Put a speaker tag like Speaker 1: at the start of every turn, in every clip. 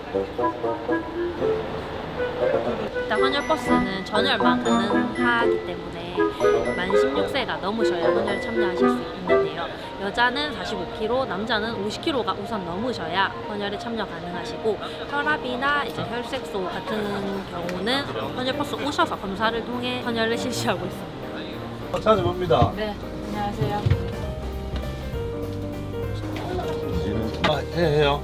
Speaker 1: 일단 헌혈버스는 전열만 가능하기 때문에 만 16세가 넘으셔야 헌혈 참여하실 수 있는데요. 여자는 45kg, 남자는 50kg가 우선 넘으셔야 헌혈에 참여 가능하시고, 혈압이나 이제 혈색소 같은 경우는 헌혈버스 오셔서 검사를 통해 헌혈을 실시하고 있습니다.
Speaker 2: 찾아봅니다.
Speaker 1: 네, 안녕하세요.
Speaker 2: 해요.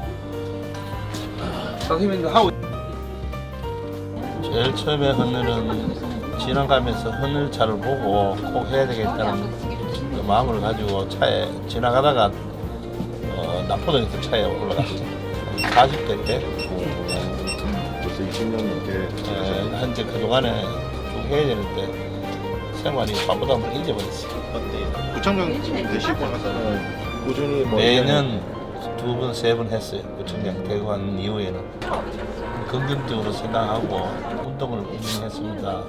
Speaker 2: 선생님도 하고. 제일 처음에 헌혈은 지나가면서 헌혈차를 보고 꼭 해야 되겠다는 그 마음을 가지고 차에 지나가다가 남포동에서 차에 올라갔어요. 40대 때.
Speaker 3: 벌써 20년 넘게
Speaker 2: 현재 그동안에 쭉 해야 되는데 생활이 바쁘다 보면 잊어버렸어요.
Speaker 3: 구청장 되시고 나서는 꾸준히 뭐
Speaker 2: 매년 2번, 3번 했어요. 구청장 되고 한 이후에는. 긍정적으로 생각하고 운동을 꾸준히 했습니다.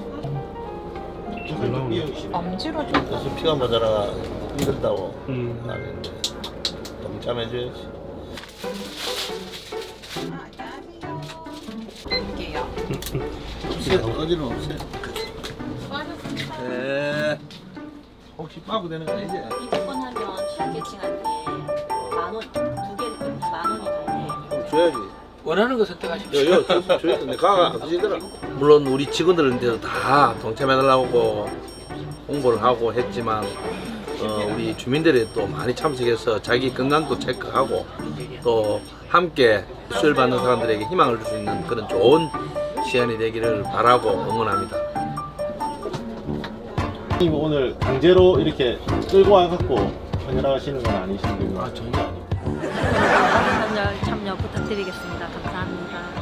Speaker 1: 엄지로 좀
Speaker 2: 그래서 피가 모자라 힘들다고 하는데 동참해줘야지. 없어요. 어디는 없어요. 네. 혹시 빠고 되는 거 아니지?
Speaker 1: 입원하면 실계층한테 만원, 두 개를 10,000원이
Speaker 2: 줘야지.
Speaker 4: 원하는 거 선택하십시오.
Speaker 2: 요, 줘야 돼. 가가 안 드시더라.
Speaker 4: 물론 우리 직원들한테도 다 동참해달라고 홍보를 하고 했지만 우리 주민들이 또 많이 참석해서 자기 건강도 체크하고 또 함께 수혈 받는 사람들에게 희망을 줄 수 있는 그런 좋은 시간이 되기를 바라고 응원합니다.
Speaker 3: 선생님 오늘 강제로 이렇게 끌고 와갖고 헌혈하시는 건 아니신 거예요?
Speaker 4: 전혀 아니고.
Speaker 1: 헌혈 참여 부탁드리겠습니다. 감사합니다.